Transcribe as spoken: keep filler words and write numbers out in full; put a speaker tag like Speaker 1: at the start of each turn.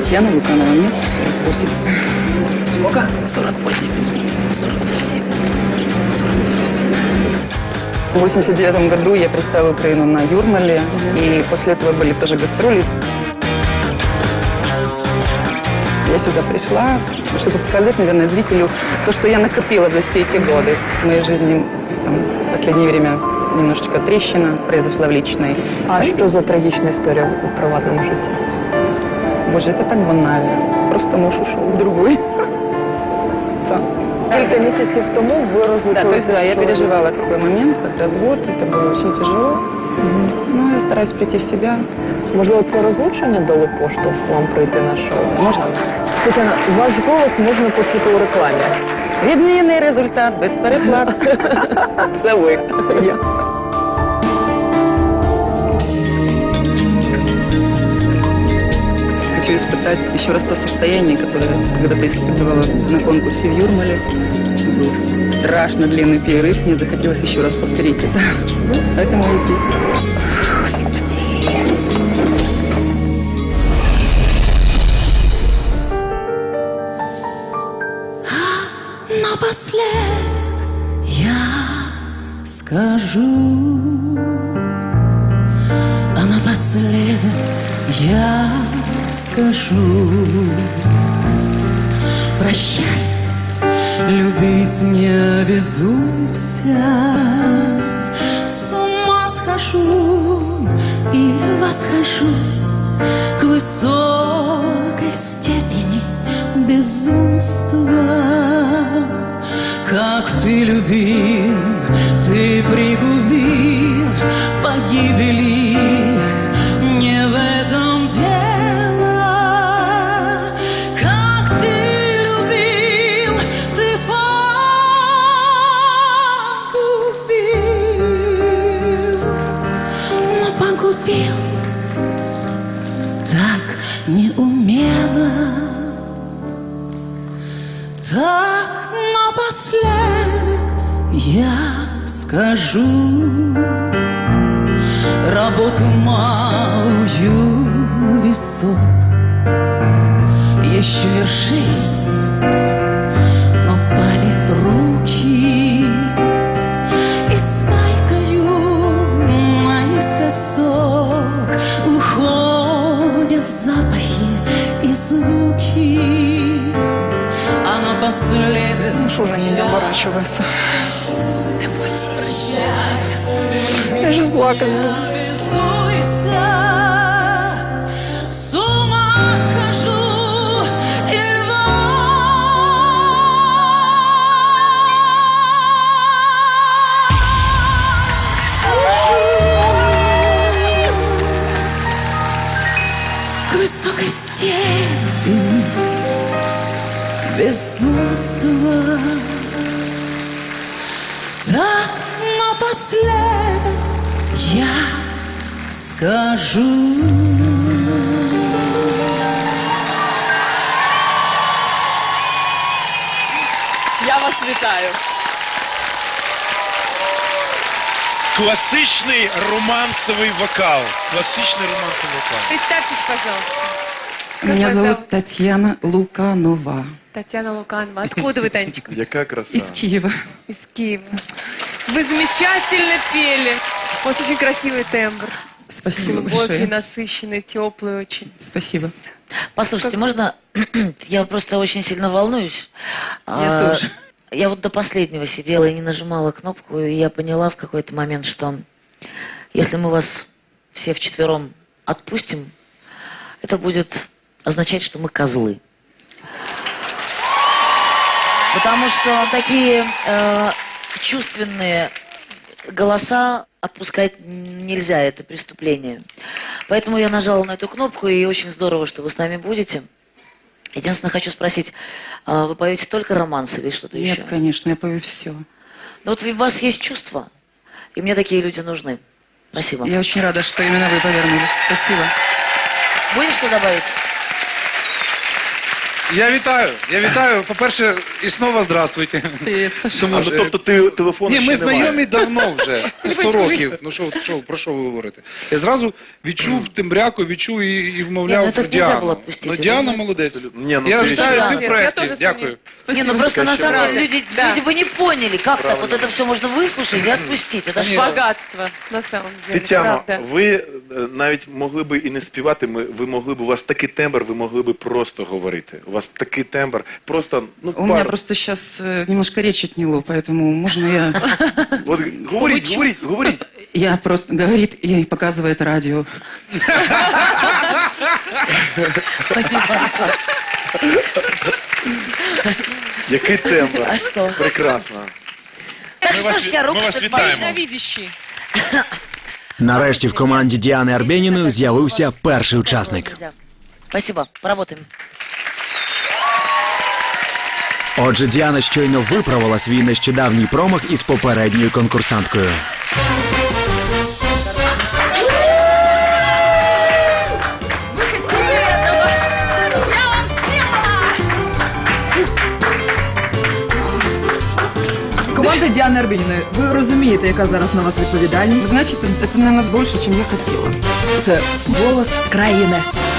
Speaker 1: Татьяна Луканова, мне сорок восемь. Сколько? сорок восемь. сорок восемь. сорок восемь. В восемьдесят девятом году я представила Украину на Юрмале, и после этого были тоже гастроли. Я сюда пришла, чтобы показать, наверное, зрителю то, что я накопила за все эти годы. В моей жизни там, в последнее время немножечко трещина произошла в личной.
Speaker 2: А что за трагичная история в приватном житті?
Speaker 1: Боже, это так банально. Просто муж ушел в другой.
Speaker 2: Кілька місяців тому ви розлучилися?
Speaker 1: Да, то есть, да, я переживала такой момент, как развод. Это было очень тяжело. Но я стараюсь прийти в себя.
Speaker 2: Можливо, це розлучення дало поштовх вам прийти на шоу?
Speaker 1: Можно?
Speaker 2: Тетяна, ваш голос можна почути у рекламі.
Speaker 1: Відмінний результат, без переплат.
Speaker 2: Це ви. Це я.
Speaker 1: Хочу испытать еще раз то состояние, которое когда-то испытывала на конкурсе в Юрмале. Был страшно длинный перерыв, мне захотелось еще раз повторить это. Поэтому я здесь. Господи.
Speaker 3: Напоследок я скажу, а напоследок я скажу: прощай, любить не обязуйся. С ума схожу или восхожу к высокой степени безумства. Как ты любил, ты пригубил погибели. Не в этом дело. Как ты любил, ты погубил. Но погубил так неумело. Так напоследок я скажу: работу малую весок еще вершить, но пали руки, и стайкою наискосок уходят запахи и звуки. А напоследок
Speaker 2: Муж уже не оборачивается. Я же плакать буду.
Speaker 3: С ума схожу и к высокой степени безумства. Так напоследок я скажу.
Speaker 2: Я вас вітаю.
Speaker 4: Классичный романсовый вокал. Классичный романсовый вокал.
Speaker 5: Представьтесь, пожалуйста.
Speaker 1: Меня зовут Татьяна Луканова.
Speaker 5: Татьяна Луканова. Откуда вы, Танечка?
Speaker 4: Яка краса.
Speaker 1: Из Киева.
Speaker 5: Из Киева. Вы замечательно пели. У вас очень красивый тембр.
Speaker 1: Спасибо
Speaker 5: Глубокий,
Speaker 1: большое.
Speaker 5: насыщенный, теплый очень.
Speaker 1: Спасибо.
Speaker 6: Послушайте, можно... Я просто очень сильно волнуюсь.
Speaker 1: Я
Speaker 6: А,
Speaker 1: тоже.
Speaker 6: Я вот до последнего сидела и не нажимала кнопку, и я поняла в какой-то момент, что если мы вас все вчетвером отпустим, это будет означать, что мы козлы. Потому что такие э, чувственные голоса отпускать нельзя, это преступление. Поэтому я нажала на эту кнопку, и очень здорово, что вы с нами будете. Единственное, хочу спросить, а вы поете только романс или что-то еще?
Speaker 1: Нет, конечно, я пою все.
Speaker 6: Ну вот у вас есть чувства, и мне такие люди нужны. Спасибо.
Speaker 1: Я очень рада, что именно вы повернулись. Спасибо.
Speaker 6: Будешь что добавить?
Speaker 7: Я вітаю, я вітаю. По-перше, і знову здравствуйте. Тому
Speaker 8: А,
Speaker 7: що-
Speaker 8: ну, тобто ти телефону
Speaker 7: Ні,
Speaker 8: ще
Speaker 7: ми
Speaker 8: немає.
Speaker 7: знайомі давно вже, сто
Speaker 5: Телефончик
Speaker 7: років. Ну що, що, про що ви говорите? Я зразу відчув тембряку, відчув і, і
Speaker 6: Ні,
Speaker 7: вмовляв
Speaker 6: ну, так нельзя було
Speaker 7: Діану.
Speaker 6: відпустити,
Speaker 7: Ну, Діана
Speaker 6: да?
Speaker 7: молодець.
Speaker 8: Ні, ну,
Speaker 7: Я
Speaker 8: ти
Speaker 7: вітаю,
Speaker 6: ще-
Speaker 7: ти в
Speaker 5: Я
Speaker 7: проєкті.
Speaker 5: теж
Speaker 7: Дякую.
Speaker 6: Не, ну просто на самом
Speaker 5: Правда.
Speaker 6: деле люди,
Speaker 5: Да.
Speaker 6: люди бы не поняли, как так вот это все можно выслушать и отпустить. Это ж
Speaker 7: Конечно.
Speaker 5: Богатство, на самом деле.
Speaker 8: Тетяно,
Speaker 5: правда.
Speaker 8: ви е, навіть могли би і не співати, ми, ви могли б, у вас такий тембр, ви могли би просто говорити. У вас такий тембр, просто, ну,
Speaker 1: У меня
Speaker 8: пару.
Speaker 1: просто сейчас немножко речь отняло, поэтому можно я...
Speaker 8: От, говоріть, говоріть, говоріть.
Speaker 1: Я просто говорит и показывает радио.
Speaker 8: Який тембр.
Speaker 6: А що?
Speaker 8: Прекрасно.
Speaker 6: Так
Speaker 4: Мы
Speaker 6: что
Speaker 4: вас,
Speaker 6: ж я
Speaker 4: мы
Speaker 6: руку
Speaker 4: вас
Speaker 6: что-то
Speaker 4: вітаємо.
Speaker 5: Ненавидящий.
Speaker 9: Нарешті в команді Діани Арбєніної з'явився перший учасник.
Speaker 6: Спасибо, поработаем.
Speaker 9: Отже, Діана щойно виправила свій нещодавній промах із попередньою конкурсанткою.
Speaker 10: Команда Діани Арбєніної, ви розумієте, яка зараз на вас відповідальність?
Speaker 1: Значит, это, наверное, больше, чем я хотела.
Speaker 10: Це голос країни.